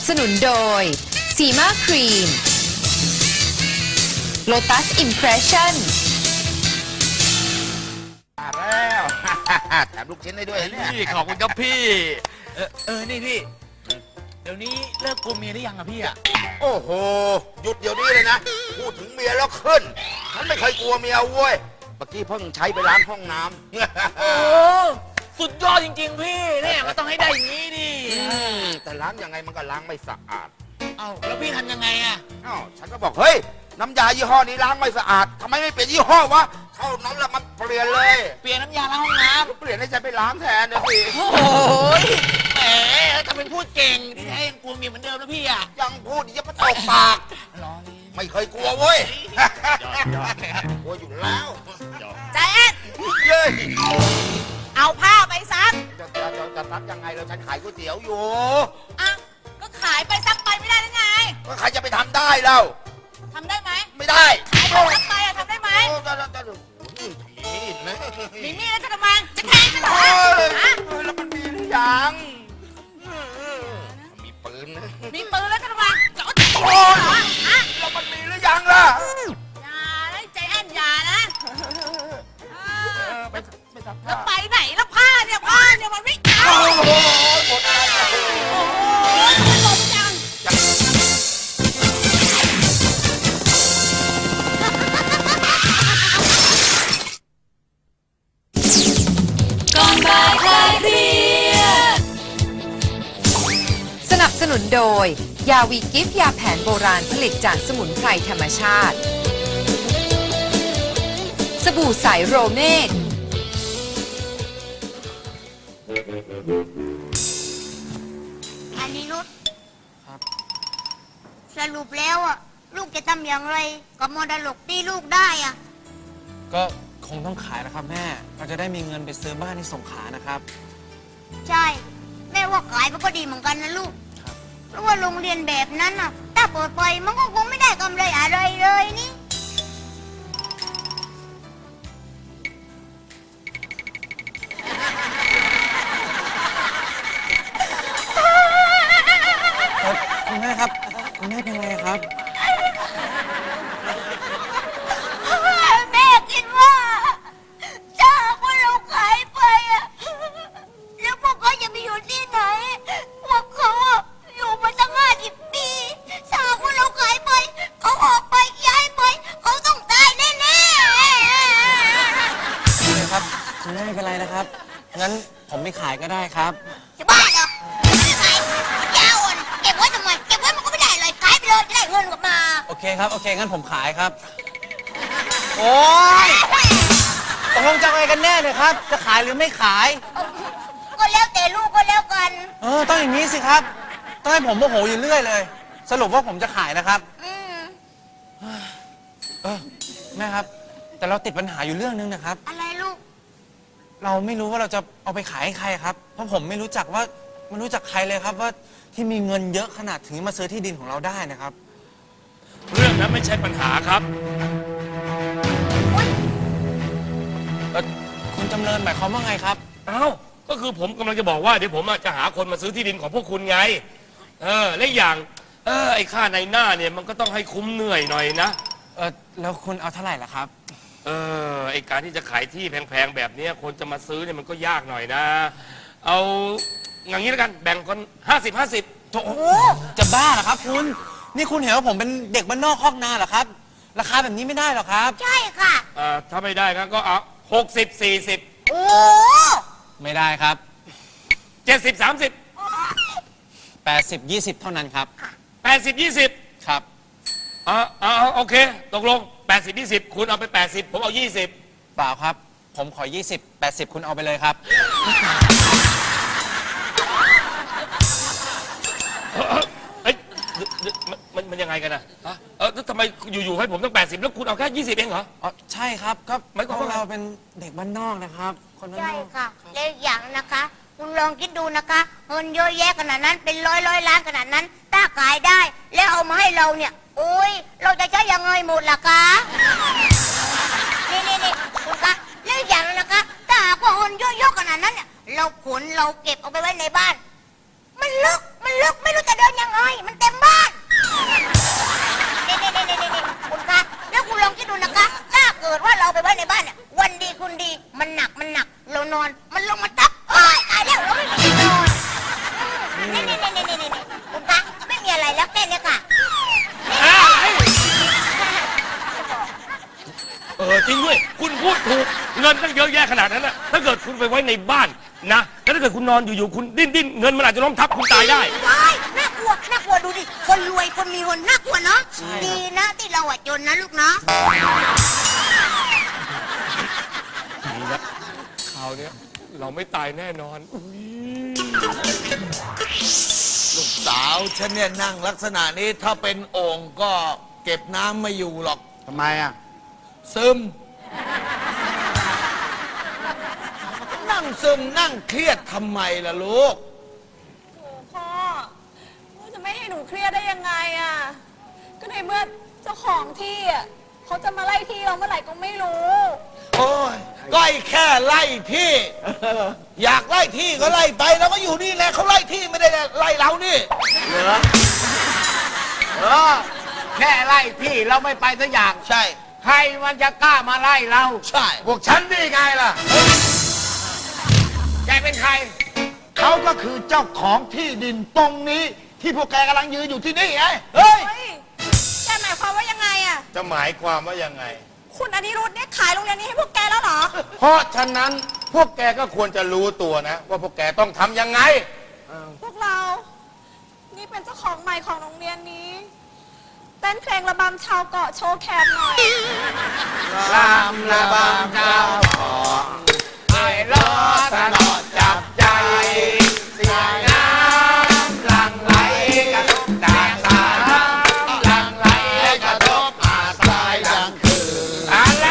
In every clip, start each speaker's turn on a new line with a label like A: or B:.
A: สนุนโดยซีมาครีม Lotus Impression
B: มาแล้ว แถมลูกชิ้นได้ด้วยเนี่ย
C: พี่ขอบคุณครับพี่นี่พี่เดี๋ยวนี้เลิกกลัวเมียหรือยังอะพี่อะ
B: โอ้โห หยุดเดี๋ยวนี้เลยนะ พูดถึงเมียแล้วขึ้น ฉันไม่เคยกลัวเมียเว้ย เมื่อกี้เพิ่งใช้ไปล้างห้องน้ำ
C: โอ้สุดยอดจริงๆพี่เนี่ยก็ต้องให้ได้อย่างนี้ดิ
B: แต่ล้างยังไงมันก็ล้างไม่สะอาด
C: เอ้าแล้วพี่ทำยังไงอะ
B: อ้าวฉันก็บอกเฮ้ย น้ำยายี่ห้อนี้ล้างไม่สะอาดทำไมไม่เปลี่ยนยี่ห้อวะ เท่านั้นแหละมันเปลี่ยนเลย
C: เปลี่ยนน้ำยาล้างห้องน้
B: เปลี่ยนให้ฉันไปล้างแทนเดี๋ยวสิ
C: ำโอ้ยแหมถ้าเป็นพูดเก่งที่ให้ยังกลัวเมียเหมือนเดิมนะพี่อะ
B: ยังพูดอย่ามาตบปาก
C: รอนี่
B: ไม่เคยกลัวเว้ย
C: ยอด
B: กลัวอยู่แล้ว
D: ใจแอน
B: เย้ย
D: เอาผ้าไปซัก
B: จะซักยังไงเราฉันขายก๋วยเตี๋ยวอยู่
D: อ่ะก็ขายไปซักไปไม่ได้หรือไง
B: ก็ใครจะไปทำได้เล่า
D: ทำได้ไหม
B: ไม่ได้
D: ขายไปซักไปอะทำได้ไหม
B: โอ้โหทำมีดนะ
D: มีมีดแล้วจะทำไมจะแทงฉันเหรอ
B: โอ้ย
D: ฮะ
B: แล้วมันมีหรือยังมีปืนนะ
D: มีปืนแล้วจะทำไมจะเอาตีเหรอฮะ
B: แล้วมันมีหรือยังล่ะ
D: อย่านะใจแอนอย่านะ
B: ไปซัก
D: แล้
B: ผ้าว
D: ไปไหนแล้วผ้าเนี่ยมันไม่เอา
B: โอ้โหหมดแล้ว
D: โอ้ยมันหลบจัง
A: ก่อนบ่ายคลายเครียดสนับสนุนโดย ยาวีกิฟยาแผนโบราณผลิตจากสมุนไพรธรรมชาติ สบู่ใสโรเมก
E: อันนี้นุชสรุปแล้วอ่ะ ลูกจะทำอย่างไรกับมรดกที่ลูกได้อ่ะ
F: ก็คงต้องขายนะครับแม่ เราจะได้มีเงินไปซื้อบ้านที่สงขลานะครับ
E: ใช่ แม่ว่าขายมันก็ดีเหมือนกันนะลูก
F: ครับ
E: เพราะว่าโรงเรียนแบบนั้นอ่ะ ถ้าเปิดไปมันก็คงไม่ได้กำไรอะไรเลยนี่
F: คุณแม่ครับ คุณแม่เป็นไรครับ
E: แม่คิดว่าถ้าพวกเราขายไปอ่ะแล้วพวกเขาจะไปอยู่ที่ไหน พวกเขาอะอยู่มาตั้ง50 ปีถ้าพวกเราขายไปเขาออกไปย้ายไปเขาต้องตายแน่ๆ
F: ครับ คุณแม่ไม่เป็นไรนะครับ งั้นผมไม่ขายก็ได้ครับ
E: จะบ้าเหรอไม่ขายมันยาวอ่อนเก็บไว้ทำไมเก็บไว้มันก็ไม่ได้เลยขายไปเลยจะได้เงินกลับมา
F: โอเคครับ โอเค งั้นผมขายครับ โอ้ยตกลงจะเอาไงกันแน่เนี่ยครับ จะขายหรือไม่ขาย
E: ก็แล้วแต่ลูกก็แล้วกัน
F: ต้องอย่างนี้สิครับ ต้องให้ผมโมโหอยู่เรื่อยเลย สรุปว่าผมจะขายนะครับ
E: อืม
F: แม่ครับ แต่เราติดปัญหาอยู่เรื่องนึงนะครับ
E: อะไรลูก
F: เราไม่รู้ว่าเราจะเอาไปขายให้ใครครับ เพราะผมไม่รู้จักใครเลยครับว่าที่มีเงินเยอะขนาดถึงมาซื้อที่ดินของเราได้นะครับ
C: เรื่องนั้นไม่ใช่ปัญหาครับ
F: คุณจำเริญหมายความว่าไงครับ
G: เอ้าก็คือผมกำลังจะบอกว่าเดี๋ยวผมจะหาคนมาซื้อที่ดินของพวกคุณไง และอีกอย่างไอ้ค่าในหน้าเนี่ยมันก็ต้องให้คุ้มเหนื่อยหน่อยนะ
F: แล้วคุณเอาเท่าไหร่ล่ะครับ
G: ไอ้การที่จะขายที่แพงๆแบบเนี้ยคนจะมาซื้อเนี่ยมันก็ยากหน่อยนะ เอาอย่างนี้แล้วกันแบ่งคน50-50
F: โอ้โหจะบ้าเหรอครับคุณ นี่คุณเห็นว่าผมเป็นเด็กบ้านนอกคอกนาเหรอครับ ราคาแบบนี้ไม่ได้หรอกครับ
E: ใช่ค่ะ
G: ถ้าไม่ได้ก็เอา60-40
E: โอ้
F: ไม่ได้ครับ
G: 70-30
F: 80-20 เท่านั้นครับ
G: 80-20
F: ครับ
G: โอเคตกลง80-20คุณเอาไป80ผมเอา20
F: เปล่าครับ ผมขอ 20 80 คุณเอาไปเลยครับ
G: เอ้ยมันยังไงกันนะฮะแล้วทำไมอยู่ๆให้ผมต้อง80แล้วคุณเอาแค่20เองเหรอ
F: อ๋อ ใช่ครับ ก็
G: หมายความว่าไง
F: เราเป็นเด็กบ้านนอกนะครับ คนบ้าน
E: ใช่
F: นอก
E: ค่ะแล้วอีกอย่างนะคะ คุณลองคิดดูนะคะเงินเยอะแยะขนาดนั้นเป็นร้อยล้านขนาดนั้น ถ้าขายได้ แล้วเอามาให้เราเนี่ย โอ้ยเราจะใช้ยังไงหมดล่ะคะนี่คุณคะแล้วอีกอย่างนะคะถ้าหากว่าเงินเยอะๆขนาดนั้นเนี่ยเราขนเราเก็บเอาไปไว้ในบ้าน มันลึกลึกไม่รู้จะเดินยังไง มันเต็มบ้านนี่คุณคะแล้วคุณลองคิดดูนะคะ ถ้าเกิดว่าเราไปไว้ในบ้านเนี่ย วันดีคุณดี มันหนัก เรานอน มันลงมาทับโอ๊ยตายแล้วเราไม่มีที่นอนนี่คุณคะไม่มีอะไรแล้วแค่นี้ค่ะ
G: จริงด้วยคุณพูดถูกเงินตั้งเยอะแยะขนาดนั้นนะถ้าเกิดคุณไปไว้ในบ้านนะแล้วถ้าเกิดคุณนอนอยู่ๆคุณดิ้นเงินมันอาจจะล้มทับคุณตายได้
E: ว้ายน่ากลัวดูดิ คนรวยคนมีเงินน่ากลัวเนาะ ดีนะที่เราอะจนนะลูกเนาะ
G: นี่นะคราวเนี้ยเราไม่ตายแน่นอน
C: ลูกสาวฉันเนี่ยนั่งลักษณะนี้ถ้าเป็นโอ่งก็เก็บน้ำไม่อยู่หรอก
B: ทำไมอ่ะ
C: ซึม นั่งซึมนั่งเครียดทำไมล่ะลูก
H: พ่อจะไม่ให้หนูเครียดได้ยังไงอ่ะ ก็ในเมื่อเจ้าของที่อ่ะเขาจะมาไล่ที่เราเมื่อไหร่ก็ไม่รู้
C: โอ้ยก็ไอ้แค่ไล่ที่ อยากไล่ที่ก็ไล่ไปแล้วก็อยู่นี่แหละเขาไล่ที่ไม่ได้ไล่เรานี่
I: แค่ไล่ที่เราไม่ไปสักอย่าง
C: ใช่
I: ใครมันจะกล้ามาไล่เรา
C: ใช่
I: พวกฉันนี่ไงล่ะ แกเป็นใคร
B: เขาก็คือเจ้าของที่ดินตรงนี้ ที่พวกแกกำลังยืนอยู่ที่นี่ไง
C: เฮ้ย
H: เฮ้ยแกหมายความว่ายังไงอ่ะ
G: จะหมายความว่ายังไง
H: คุณอนิรุธเนี่ยขายโรงเรียนนี้ให้พวกแกแล้วเหรอ
G: เพราะฉะนั้นพวกแกก็ควรจะรู้ตัวนะ ว่าพวกแกต้องทำยังไง
H: พวกเรา นี่เป็นเจ้าของใหม่ของโรงเรียนนี้ เต้นเพลงระบำชาวเกาะโชว์แคมหน่อย
I: ลามระบำเจ้าของไอ้ล้อตลอดจับใจ เสียงน้ำหลั่งไหลกระทบด่างสายน้ำหลั่งไหลกระทบอาทรายดังคืนอะไร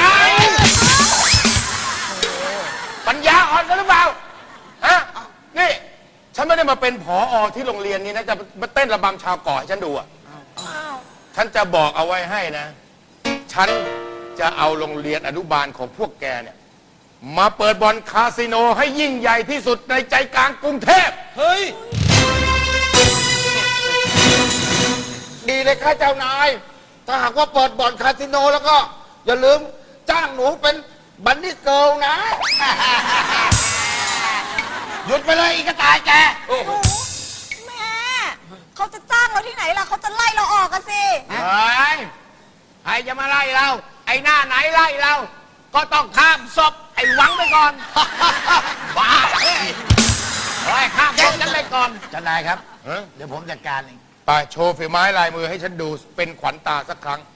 G: ปัญญาอ่อนกันหรือเปล่า ฮะ นี่ ฉันไม่ได้มาเป็นผอที่โรงเรียนนี้นะ จะมาเต้นระบำชาวเกาะให้ฉันดูอ่ะ ฉันจะบอกเอาไว้ให้นะ ฉันจะเอาโรงเรียนอนุบาลของพวกแกเนี่ย มาเปิดบ่อนคาสิโนให้ยิ่งใหญ่ที่สุดในใจกลางกรุงเทพ
C: เฮ้ย
I: ดีเลยค่ะเจ้านาย ถ้าหากว่าเปิดบ่อนคาสิโนแล้วก็ อย่าลืมจ้างหนูเป็นบันนี่เกิลนะ หยุดไปเลยอีกระต่ายแก
H: แม่เขาจะจ้างเราที่ไหนล่ะเขาจะไล่เราออกกันสิ
I: เฮ้ยใครจะมาไล่เรา ไอ้หน้าไหนไล่เรา ก็ต้องข้ามศพไอ้หวังไปก่อน บ้าเฮ้ยข้ามศพกันไปก่อน
B: เจ้านายครับ
G: ฮะ
B: เดี๋ยวผมจัดการเอง
G: ไปโชว์ฝีไม้ลายมือให้ฉันดูเป็นขวัญตาสักครั้ง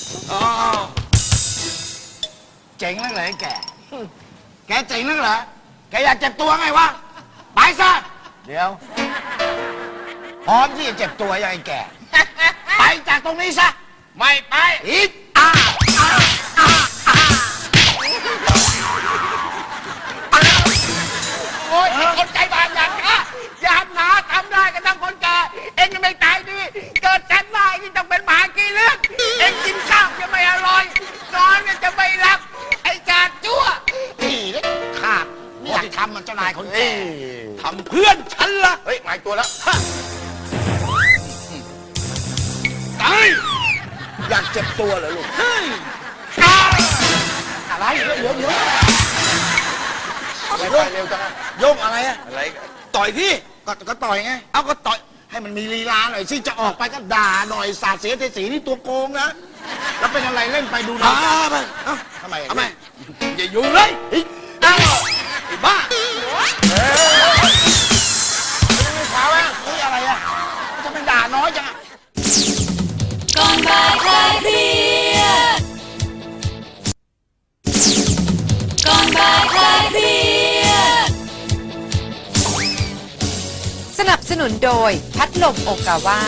B: เจ๋งนักเลยไอ้แก แกเจ๋งนักเหรอ แกอยากเจ็บตัวไงวะ ไปซะ เดี๋ยว พร้อมที่จะเจ็บตัวยังไงแก ไปจากตรงนี้ซะ
I: ไม่ไป
B: อีก
I: โอ๊ยไอ้คนใจบาปอย่างข้าอย่าหนาทำได้กันทั้งคนแก่เอ็งยังไม่ตายดี เกิดฉันมาไอ้นี่ต้องเป็นหมากี่เลือดเอ็งกินข้าวจะไม่อร่อย นอนก็จะไม่หลับ ไอ้จาดจั่ว
B: นี่เล็กขาดไม่อยากทำมันเจ้านายคนแก่
C: ทำเพื่อนฉันละ
G: เฮ้ย หมายตัวแล้ว
C: ตาย
B: อยากเจ็บตัวเหรอลูก อะไรเดี๋ยว
G: ไปเร็วจังอะ
B: โยกอะไรอะ
C: อะไรต่อยที่
B: ก็ต่อยไง
C: เอาก็ต่อย
B: ให้มันมีลีลาหน่อยสิจะออกไปก็ด่าหน่อยสาดเสียเทสีนี่ตัวโกงนะ แล้วเป็นอะไรเล่นไปดูหนะ
C: ไป
B: ทำไม
C: ทำไมอย่าอยู่เลยอ้าวไอ้บ้า
B: ขาวะเฮ้ยอะไรอะจะไปด่าน้อยจังอะ
E: ก่อนบ่ายคลายเครียดก่อนบ่ายคลายเครียด
A: สนับสนุนโดยพัดลมโอกาวา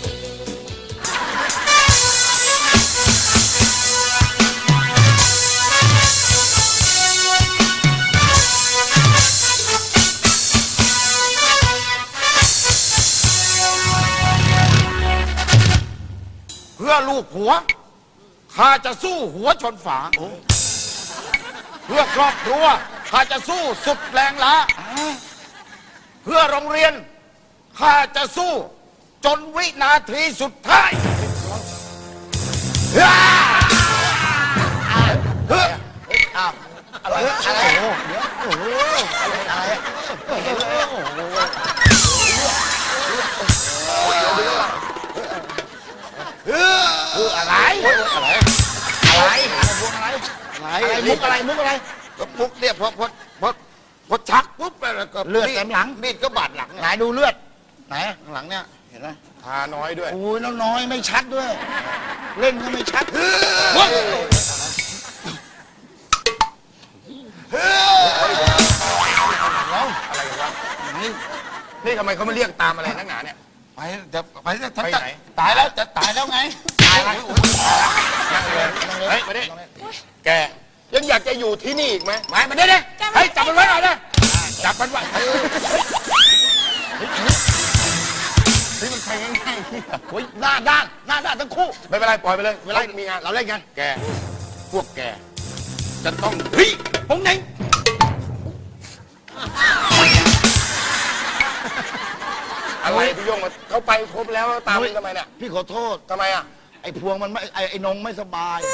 B: เพื่อลูกผัวข้าจะสู้หัวชนฝา เพื่อครอบครัวข้าจะสู้สุดแรงล้าเพื่อโรงเรียนข้าจะสู้จนวินาทีสุดท้ายอะไรอะไรเดี๋ยวโอ้โหอะไรอะไรอะไรมุกอะไรมุกอะไรมุกเนี่ยพอชักปุ๊บไปแล้วก็เลือดเต็มหลังมีดก็บาดหลังไหนดูเลือดไหนข้างหลังเนี่ยเห็นไหม
G: ทาน้อยด้วย
B: โอ้ยแล้วน้อยไม่ชัดด้วย เล่นก็ไม่ชัด
G: อะไรกันวะนี่ทำไมเขาไม่เรียกตามอะไรนักหนาเนี่ย
B: ไปจะไปจะ
G: ไปไหน
B: ตายแล้วจะตายแล้วไงตายแล้ว
G: นั่งเลยเฮ้ยมาดิแกยังอยากจะอยู่ที่นี่อีกไหมมาดิดิเฮ้ยจับมันไว้หน่อยนะจับมันไว้นี่มันใครง่ายๆ
B: โอ้ยหน้าด้านทั้งคู่
G: ไม่เป็นไรปล่อยไปเลย
B: เวลามีงานเราเล่นกัน
G: แกพวกแกจะต้อง
B: เฮ้ยผมไหน
G: อะไรพี่โยงมาเขาไปครบแล้วตามทำไมเนี่ย
B: พี่ขอโทษ
G: ทำไมอ่ะ
B: ไอ้พวงมันไม่ไอ้นงไม่สบาย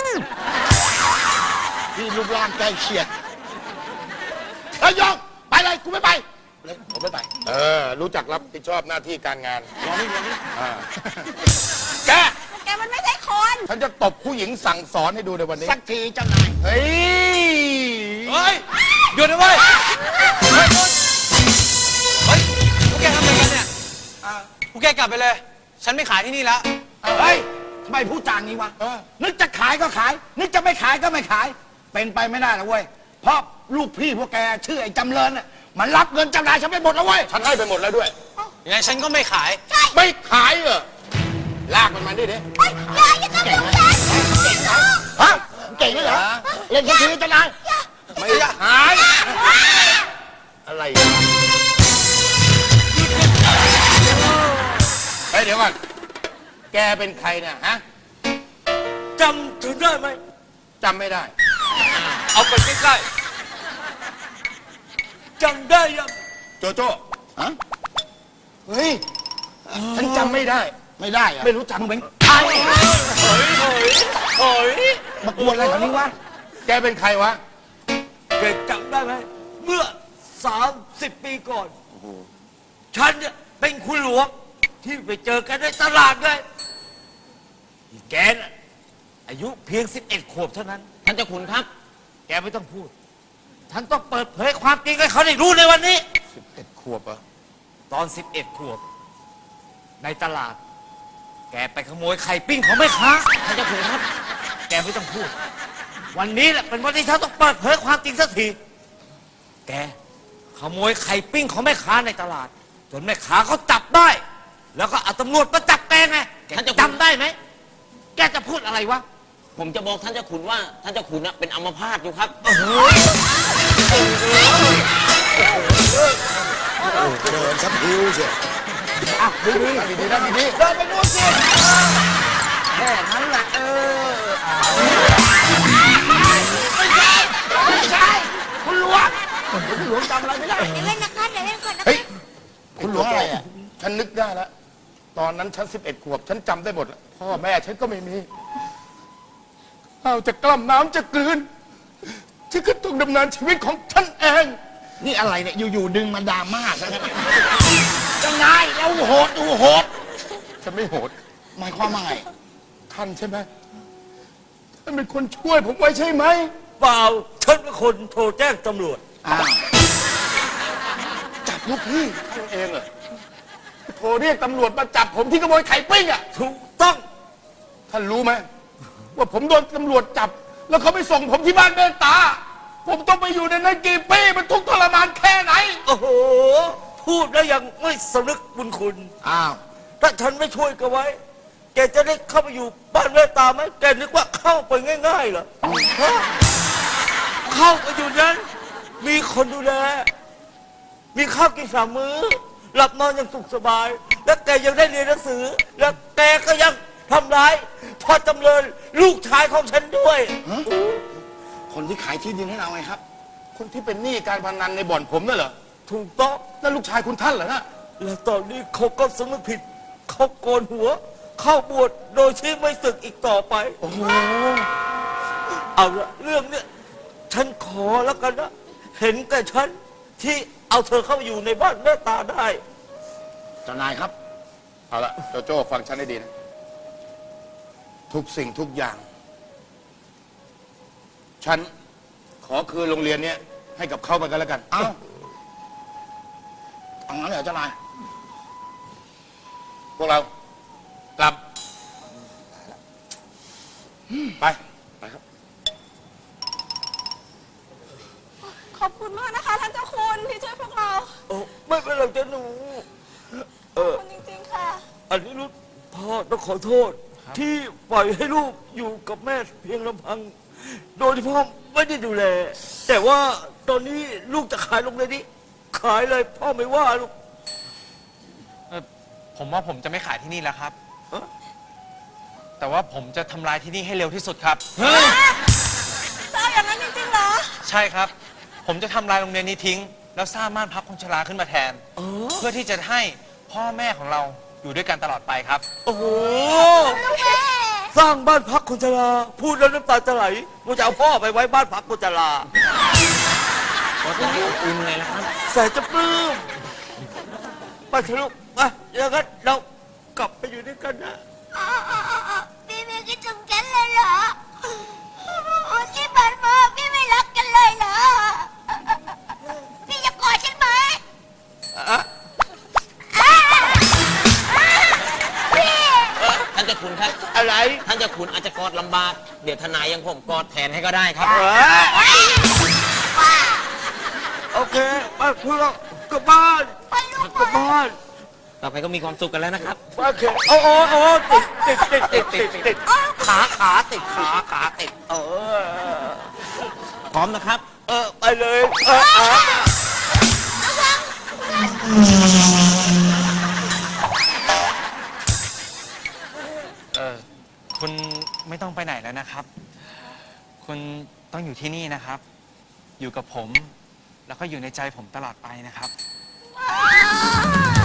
B: พี่รูปร่างใกล้เคียงไอ้ยองไปเลยกูไม่ไปเลยผมไม่ไป
G: รู้จักรับผิดชอบหน้าที่การงาน
B: รอนี่
G: แก
H: แกมันไม่ใช่คน
G: ฉันจะตบผู้หญิงสั่งสอนให้ดูในวันนี้
B: สักทีเจ้านาย
G: เฮ้ย
F: เฮ้ยหยุดนะเว้ยเฮ้ยพวกแกทำอะไรกันเนี่ยพวกแกกลับไปเลย ฉันไม่ขายที่นี่แล้ว
B: เฮ้ยทำไมพูดจางนี้วะนึกจะขายก็ขาย นึกจะไม่ขายก็ไม่ขาย เป็นไปไม่ได้นะเว้ยเพราะลูกพี่พวกแกชื่อไอ้จำเริญน่ะมันรับเงินจำนายฉันไปหมดแล้วเว้ย
G: ฉันให้ไปหมดแล้วด้วย
F: ยังไงฉันก็ไม่ขาย
G: ไม่ขายเหรอลากมันมาดิ
B: เก่งไหมฮะเก่งไหมเหรอเล่นสักทีจำนาย
G: ไม่ขาย อะไรเฮ้ยเดี๋ยวก่อนแกเป็นใครเนี่ยฮะ
C: จำถึงได้ไหม
G: จำไม่ได้
C: เอาไปใกล้ๆจำได้ยัง
G: โจโจ้
B: ฮะ
G: เฮ้ยฉันจำไม่ได้
B: ไม่ได้อะ
G: ไม่รู้จัก
B: มึงเป็นใคร
C: โอ้ย
B: มากวนอะไรแถวนี้วะ
G: แกเป็นใครวะ
C: แกจำได้ไหมเมื่อ 30 ปีก่อนฉันเนี่ยเป็นคุณหลวงที่ไปเจอกันในตลาดเลยแกน่ะอายุเพียง 11 ขวบเท่านั้น
I: ท่านเจ้าขุนครับ
C: แกไม่ต้องพูดท่านต้องเปิดเผยความจริงให้เขาได้รู้ในวันนี้
G: 11 ขวบเหรอ
C: ตอน 11 ขวบ ในตลาด แกไปขโมยไข่ปิ้งของแม่ค้า
I: ท่านเจ้าขุนครับ
C: แกไม่ต้องพูด วันนี้แหละเป็นวันที่ฉันต้องเปิดเผยความจริงสักที แกขโมยไข่ปิ้งของแม่ค้าในตลาด จนแม่ค้าเขาจับได้ แล้วก็เอาตำรวจมาจับแกไงแก
I: ท่านเจ้าคุณ
C: จำได้ไหม แกจะพูดอะไรวะ
I: ผมจะบอกท่านเจ้าขุนว่าท่านเจ้าขุนน่ะเป็นอัมพาตอยู่ครับ
B: เดินสักพิวเชียวดี
G: นั่งดี
B: เดินไปดูสิแค่นั้นแหละไม่ใช่คุณหลวงจำอะไรไม่ได้
E: เดี๋ยวเล่นนะคะเดี๋ยวเล่นก่อนนะ
G: เฮ้ย
B: คุณหลวงอะไรอ่ะ
G: ฉันนึกได้แล้ว ตอนนั้นฉัน 11 ขวบ ฉันจำได้หมดแล้วพ่อแม่ฉันก็ไม่มีเอาจะกล้ำน้ำจะกลืนฉันก็ต้องดำเนินชีวิตของฉันเอง
B: นี่อะไรเนี่ยอยู่ๆดึงมาดราม่าซะงั้นยังไงเราโหดดูโหด
G: ฉันไม่โหด
B: หมายความว่าไง
G: ท่านใช่ไหมท่านเป็นคนช่วยผมไว้ใช่ไหม
C: เปล่า ฉันเป็นคนโทรแจ้งตำรวจ
B: อ้าว
G: จับลูกพี่ท่านเองเหรอโทรเรียกตำรวจมาจับผมที่ขโมยไข่ปิ้งอ่ะ
C: ถูกต้อง
G: ท่านรู้ไหมว่าผมโดนตำรวจจับ แล้วเขาไปส่งผมที่บ้านเมตตา ผมต้องไปอยู่ในนั้นกี่ปีมันทุกข์ทรมานแค่ไหน
C: โอ้โห พูดแล้วยังไม่สำนึกบุญคุณ
B: อ้าว
C: ถ้าฉันไม่ช่วยแกไว้ แกจะได้เข้าไปอยู่บ้านเมตตาไหมแกนึกว่าเข้าไปง่ายๆเหรอฮะเข้าไปอยู่นั้น มีคนดูแล มีข้าวกินสามมื้อ หลับนอนอย่างสุขสบาย และแกยังได้เรียนหนังสือ และแกก็ยังทำร้ายพ่อจำเริญลูกชายของฉันด้วย
B: คนที่ขายที่ดินให้เราไงครับ
G: คนที่เป็นหนี้การพนันในบ่อนผมนั่นเหรอ
C: ถูกต้อง
G: นั่นลูกชายคุณท่านเหรอนะ
C: และตอนนี้เขาก็สำนึกผิดเขาโกนหัว เข้าบวชโดยที่ไม่ศึกอีกต่อไป
B: โอ้โห
C: เอาละเรื่องเนี้ยฉันขอแล้วกันนะ เห็นแก่ฉันที่เอาเธอเข้ามาอยู่ในบ้านแม่ตาได้
B: เจ้านายครับ
G: เอาละโจโจ้ฟังฉันให้ดีนะ ทุกสิ่งทุกอย่าง ฉันขอคืนโรงเรียนเนี้ยให้กับเขาไปกันแล้วกัน
B: เอ้าเอางั้นเลยเหรอเจ้านาย
G: พวกเรากลับ ไป
H: ขอบคุณมากนะคะท่านเจ้าคุณที่ช่วยพวกเรา
C: โอ้ไม่เป็นไรจ้ะหนู
H: ขอบคุณจริงๆค่ะ
C: อันนี้ลูกพ่อต้องขอโทษ ที่ปล่อยให้ลูกอยู่กับแม่เพียงลำพัง โดยที่พ่อไม่ได้ดูแล แต่ว่าตอนนี้ลูกจะขายโรงเรียนนี้ ขายเลยพ่อไม่ว่าลูก
F: ผมว่าผมจะไม่ขายที่นี่แล้วครับ
C: เอ้อ
F: แต่ว่าผมจะทำลายที่นี่ให้เร็วที่สุดครับ
H: เจ้าอย่างนั้นจริงๆเหรอ
F: ใช่ครับ ผมจะทำลายโรงเรียนนี้ทิ้ง แล้วสร้างบ้านพักคนชราขึ้นมาแทน เพื่อที่จะให้พ่อแม่ของเราอยู่ด้วยกันตลอดไปครับ
C: โอ้โห สร้างบ้านพักคนชราพูดแล้วน้ำตาจะไหลว่าจะเอาพ่อไปไว้บ้านพักคนชรา
F: ก็จะให้อบอุ่นเลยนะครับ
C: แสนจะปลื้มไปเถอะลูกไปอย่างนั้นเรากลับไปอยู่ด้วยกันนะ
E: พี่ไม่คิดถึงฉันเลยเหรอที่ผ่านมาพี่ไม่รักกันเลยเหรอ พี่จะกอดฉันไหมพี่
J: ท่านเจ้าคุณครับ
C: อะไร
J: ท่านเจ้าคุณอาจจะกอดลำบาก เดี๋ยวทนายยังผมกอดแทนให้ก็ได้ครับ
C: โอเคไปพวกเรากลับบ้านกลับบ้าน
J: ต่อไปก็มีความสุขกันแล้วนะครับ
C: โอเคโอ้ติดขาติดขาติด
J: พร้อมนะครับ
C: ไปเลย
F: คุณไม่ต้องไปไหนแล้วนะครับ คุณต้องอยู่ที่นี่นะครับ อยู่กับผม แล้วก็อยู่ในใจผมตลอดไปนะครับ
E: อ้าว